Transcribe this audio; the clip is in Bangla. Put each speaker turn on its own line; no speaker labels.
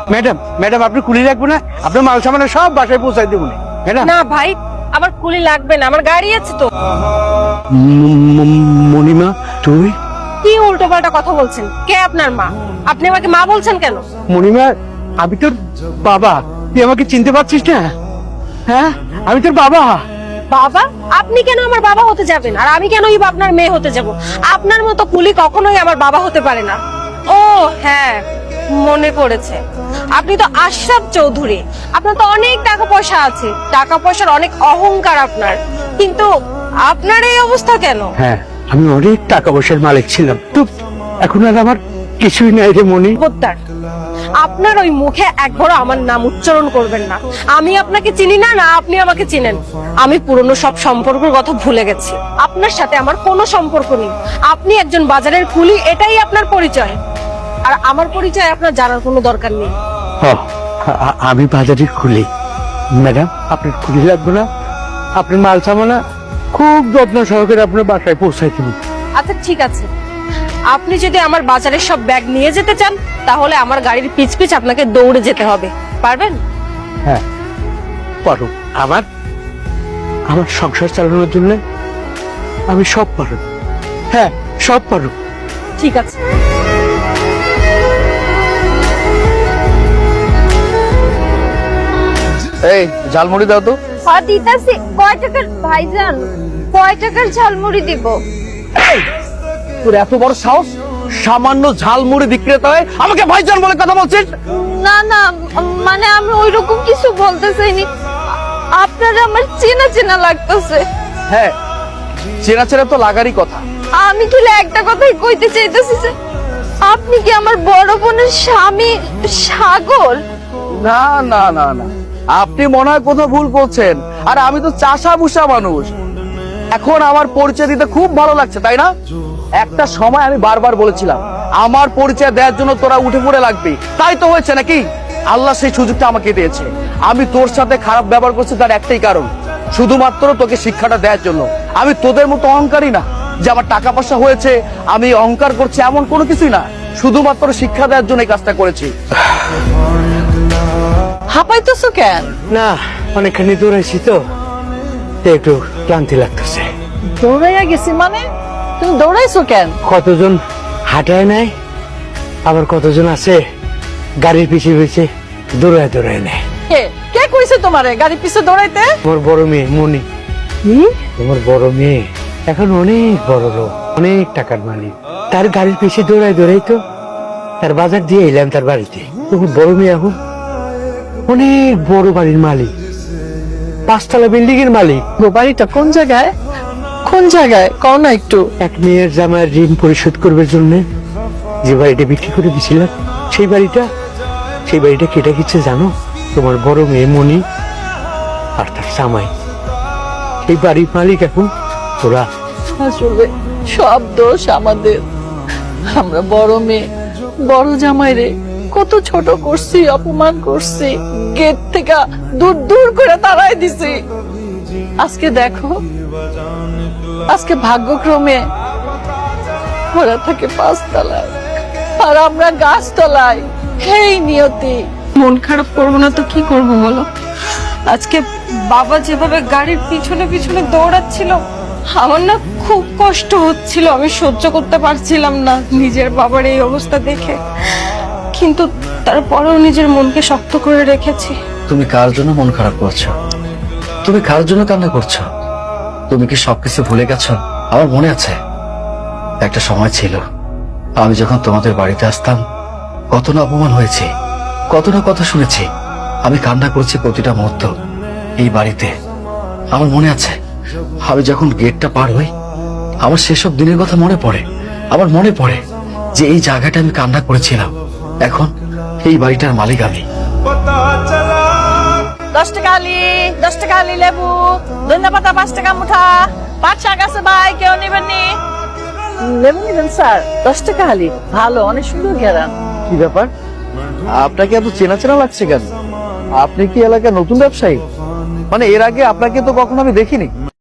ম্যাডাম ম্যাডাম আপনি কুলি রাখবো না? আপনার মাল সামানে সব বাসায় পৌঁছাই দেবো ম্যাডাম।
না ভাই, আমার কুলি লাগবে না, আমার গাড়ি আছে তো।
মণিমা তুই?
কি উল্টো পাল্টা কথা বলছেন? কে আপনার মা? আপনি আমাকে মা বলছেন কেন?
মণিমা আমি তোর বাবা, তুই আমাকে চিনতে পারছিস না? হ্যাঁ আমি তোর বাবা।
বাবা? আপনি কেন আমার বাবা হতে যাবেন, আর আমি কেনই বা আপনার মেয়ে হতে যাব? আপনার মতো কুলি কখনোই আমার বাবা হতে পারে না। ও হ্যাঁ, মনে পড়েছে, আপনি তো আশরাফ চৌধুরী। আপনার তো অনেক টাকা পয়সা আছে, টাকা পয়সার অনেক অহংকার আপনার, কিন্তু আপনার এই অবস্থা কেন?
হ্যাঁ আমি অনেক টাকা পয়সার মালিক ছিলাম, তো এখন আর আমার কিছুই নাই রে মণি।
খবরদার, আপনার ওই মুখে একবারও আমার নাম উচ্চারণ করবেন না। আমি আপনাকে চিনি না, না আপনি আমাকে চিনেন। আমি পুরনো সব সম্পর্কের কথা ভুলে গেছি। আপনার সাথে আমার কোনো সম্পর্ক নেই। আপনি একজন বাজারের কুলি, এটাই আপনার পরিচয়। আর আমার পরিচয় আপনার জানার কোনো দরকার নেই।
আমি বাজারে খুলি ম্যাডাম, আপনার খুলি লাগবে না। আপনার মাল সামানা খুব যত্ন সহকারে আপনার বাসায় পৌঁছাই দেবো।
আচ্ছা ঠিক আছে, আপনি যদি আমার বাজারের সব ব্যাগ নিয়ে যেতে চান, তাহলে আমার গাড়ির পিছ পিছ আপনাকে দৌড়ে যেতে হবে। পারবেন?
হ্যাঁ পারো। আমার আমার সংসার চালানোর জন্য আমি সব পারো। হ্যাঁ সব পারো।
ঠিক আছে।
এই ঝালমুড়ি দাও তো।
হ্যাঁ দিতাছি। কয় টাকার ভাইজান? কয় টাকার ঝালমুড়ি দিব?
তোর এত বড় সাহস, সামান্য ঝালমুড়ি বিক্রেতা হয়ে আমাকে ভাইজান বলে কথা বলছিস?
না না, মানে আমি ওইরকম কিছু বলতে চাইনি। আপনারা আমার চেনা চেনা লাগতেছে।
হ্যাঁ চেনা চেনা তো লাগারই কথা।
আমি কি একটা কথাই কইতে চাইতেছি যে আপনি কি আমার বড় বোনের স্বামী সাগর?
না না না না, আপনি মনে হয় কোথাও ভুল করছেন। আর আমি তো চাষা ভুষা মানুষ। এখন আমার পরিচয় দিতে খুব ভালো লাগছে, তাই না? একটা সময় আমি বারবার বলেছিলাম আমার পরিচয় দেওয়ার জন্য তোরা উঠে পড়ে লাগবে, তাই তো হয়েছে নাকি? আল্লাহ সেই সুযোগটা আমাকে দিয়েছে। আমি তোর সাথে খারাপ ব্যবহার করছি তার একটাই কারণ, শুধুমাত্র তোকে শিক্ষাটা দেওয়ার জন্য। আমি তোদের মতো অহংকারী না যে আমার টাকা পয়সা হয়েছে আমি অহংকার করছি, এমন কোনো কিছুই না। শুধুমাত্র শিক্ষা দেওয়ার জন্য এই কাজটা করেছি।
হাঁপাইতেছো কেন?
না অনেকখানি দৌড়াইছি তো, তাই একটু ক্লান্তি লাগতেছে।
দৌড়াইয়া গেছি মানে? তুমি দৌড়াইছো কেন?
কতজন হাঁটায় নাই, আবার কতজন আছে গাড়ির পিছিয়ে পিছিয়ে দৌড়ায় দৌড়ায় নেয়।
কে কে কইছে তোমারে গাড়ি পিছে দৌড়াইতে?
তোমার বড় মেয়ে মনি। তোমার বড় মেয়ে এখন অনেক বড় লোক, অনেক টাকার মালিক। তার গাড়ির পিছিয়ে দৌড়ায় দৌড়াই তো তার বাজার দিয়ে এলাম তার বাড়িতে। তোমার বড় মেয়ে এখন অনেক বড় বাড়ির মালিক, 5 তলা বিল্ডিং এর মালিক।
গো বাড়িটা কোন জায়গায়? কোন জায়গায় কও না একটু।
এক মেয়ের জামাইয়ের ঋণ পরিশোধ করবার জন্য যে বাড়িটা বিক্রি করে দিয়েছিলাম, সেই বাড়িটা কেটে গেছে জানো? তোমার বড় মেয়ে মনি আর তার জামাই। সেই বাড়ির মালিক এখন ওরা।
আসলে সব দোষ আমাদের। আমরা বড় মেয়ে বড় জামাই রে কত ছোট করছি, অপমান করছি, গেট থেকে দূর দূর করে তাড়াই দিছি। আজকে দেখো, আজকে ভাগ্যক্রমে ওরা থাকে 5 তলায় আর আমরা গাছ তলায়। হেই নিয়তি।
মন খারাপ করবো না তো কি করবো বলো? আজকে বাবা যেভাবে গাড়ির পিছনে পিছনে দৌড়াচ্ছিল, আমার না খুব কষ্ট হচ্ছিল। আমি সহ্য করতে পারছিলাম না নিজের বাবার এই অবস্থা দেখে, কিন্তু তারপরেও নিজের মনকে শক্ত করে রেখেছি।
তুমি কার জন্য মন খারাপ করছো? তুমি কার জন্য কান্না করছো? তুমি কি সবকিছু ভুলে গেছো? আমার মনে আছে একটা সময় ছিল আমি যখন তোমাদের বাড়িতে আসতাম কত না অপমান হয়েছে, কত না কথা শুনেছি। আমি কান্না করেছি প্রতিটা মুহূর্ত এই বাড়িতে। আমার মনে আছে আমি যখন গেটটা পার হই আমার সেসব দিনের কথা মনে পড়ে। আমার মনে পড়ে যে এই জায়গাটা আমি কান্না করেছিলাম। এখন এই বাড়িটার মালিক আমি।
10 টাকা আলি, 10 টাকা আলি লেবু, ধন্যবাদ 5 টাকা মুঠা, পাট শাক আছে ভাই, কেউ নেবেন নি? লেবু নেবেন স্যার? 10 টাকা আলি, ভালো, অনেক সুন্দর ঘেরান।
কি ব্যাপার, আপনাকে এত চেনা চেনা লাগছে কেন? আপনি কি এলাকার নতুন ব্যবসায়ী? মানে এর আগে আপনাকে তো কখনো আমি দেখিনি।